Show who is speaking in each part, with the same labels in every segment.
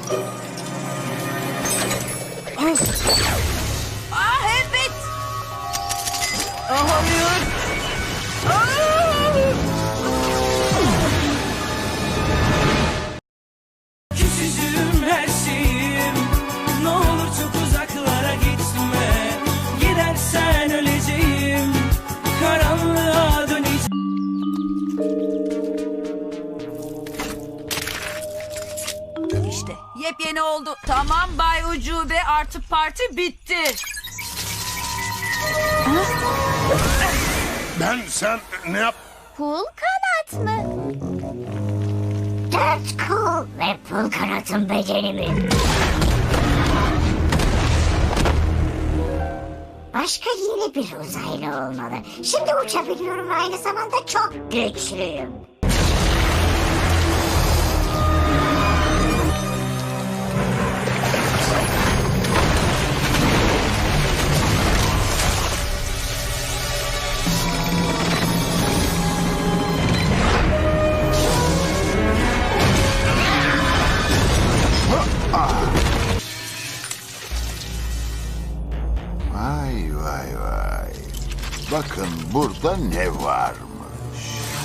Speaker 1: Evet. Hayır.
Speaker 2: Küçücüğüm her şeyim, ne olur çok uzaklara gitme. Gidersen öleceğim, karanlığa döneceğim.
Speaker 1: İşte yepyeni oldu. Tamam Bay Ucube, artık parti bitti.
Speaker 3: Sen ne yap?
Speaker 4: Pul kanat mı? Dört kol ve pul kanatın becerimi. Başka yeni bir uzaylı olmalı. Şimdi uçabiliyorum ve aynı zamanda çok güçlüyüm.
Speaker 5: Vay vay vay. Bakın burada ne varmış.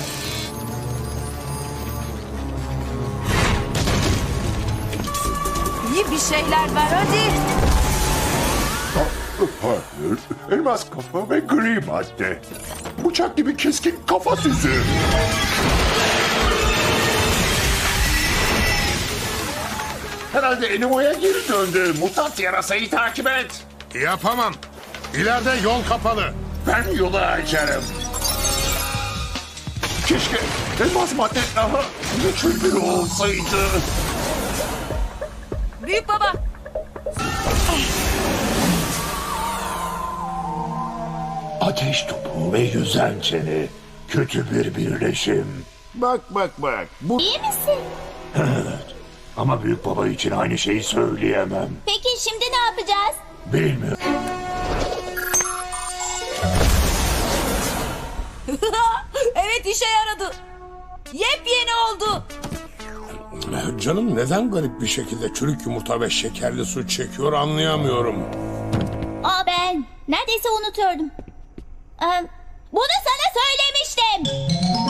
Speaker 1: İyi bir şeyler ver hadi.
Speaker 6: Hayır, elmas kafa ve gri madde. Bıçak gibi keskin kafa süzü. Herhalde Enimo'ya geri döndü. Mutant yarasayı takip et.
Speaker 3: Yapamam. İleride yol kapalı.
Speaker 6: Ben yolu açarım. Keşke elmas madde daha güçlü biri olsaydı.
Speaker 1: Büyük baba.
Speaker 6: Ateş topu ve yüzen çene. Kötü bir birleşim.
Speaker 5: Bak bak bak. Bu
Speaker 4: İyi misin?
Speaker 6: Ama büyük baba için aynı şeyi söyleyemem.
Speaker 4: Peki şimdi ne yapacağız?
Speaker 6: Bilmiyorum.
Speaker 1: Evet, işe yaradı. Yepyeni oldu.
Speaker 3: Canım neden garip bir şekilde çürük yumurta ve şekerli su çekiyor anlayamıyorum.
Speaker 4: Ben neredeyse unutuyordum. Bunu sana söylemiştim.